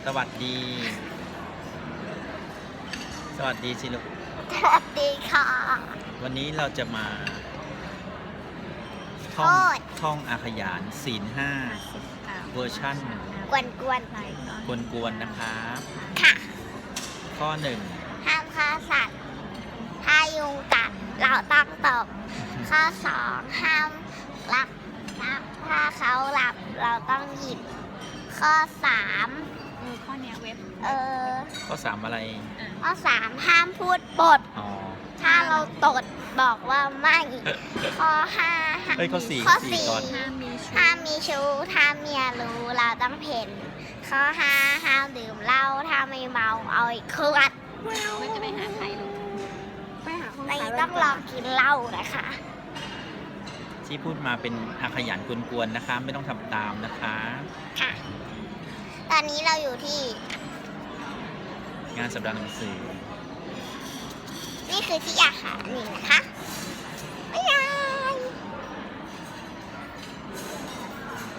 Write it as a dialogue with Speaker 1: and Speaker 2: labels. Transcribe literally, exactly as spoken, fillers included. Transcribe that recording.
Speaker 1: สวัสดี สวัสดีสิลูก
Speaker 2: สวัสดีค่ะ
Speaker 1: วันนี้เราจะมา
Speaker 2: โท
Speaker 1: ท่อง
Speaker 2: ษ
Speaker 1: ท่องอาขยานศีลห้าเวอร์ชั่น
Speaker 2: กวนกวน
Speaker 1: กวนๆนะครับ
Speaker 2: ๆค่ะ
Speaker 1: ข้อหนึ่ง
Speaker 2: ห้ามฆ่าสัตว์ ถ้ายุงกัดเราต้องตบ ข้อสองห้ามรับรับถ้าเขาหลับเราต้องหยิบ ข้อสาม
Speaker 3: เออข้อเนี้ยเว็บ
Speaker 2: เออ
Speaker 1: ข้อสามอะไร
Speaker 2: ข้อสามห้ามพูดปด
Speaker 1: อ๋อ
Speaker 2: ถ้าเราตดบอกว่าไม่ ข้อห้า
Speaker 1: เอ้ยข้อสี่
Speaker 2: ข้อ
Speaker 1: สี่
Speaker 2: สี่
Speaker 1: ก่อน
Speaker 3: ห้ามมีชู้
Speaker 2: ห้ามมีชู้ถ้าเมียรู้เราต้องเพ่น ข้อห้าห้ามดื่มเหล้าถ้าไม่เมาเอาอีกขวด
Speaker 3: ไม่จะไปหาใครลูกไปหาคน
Speaker 2: ใน
Speaker 3: ขาย
Speaker 2: ต้องลองกินเหล้านะคะ
Speaker 1: ที่พูดมาเป็นอาขยานกวนๆนะคะ ไม่ต้องทำตามนะคะ
Speaker 2: ค่ะ ตอนนี้เราอยู่ที่
Speaker 1: งานสัปดาห์หนังสือ
Speaker 2: นี่คือที่อาหารนี่นะคะ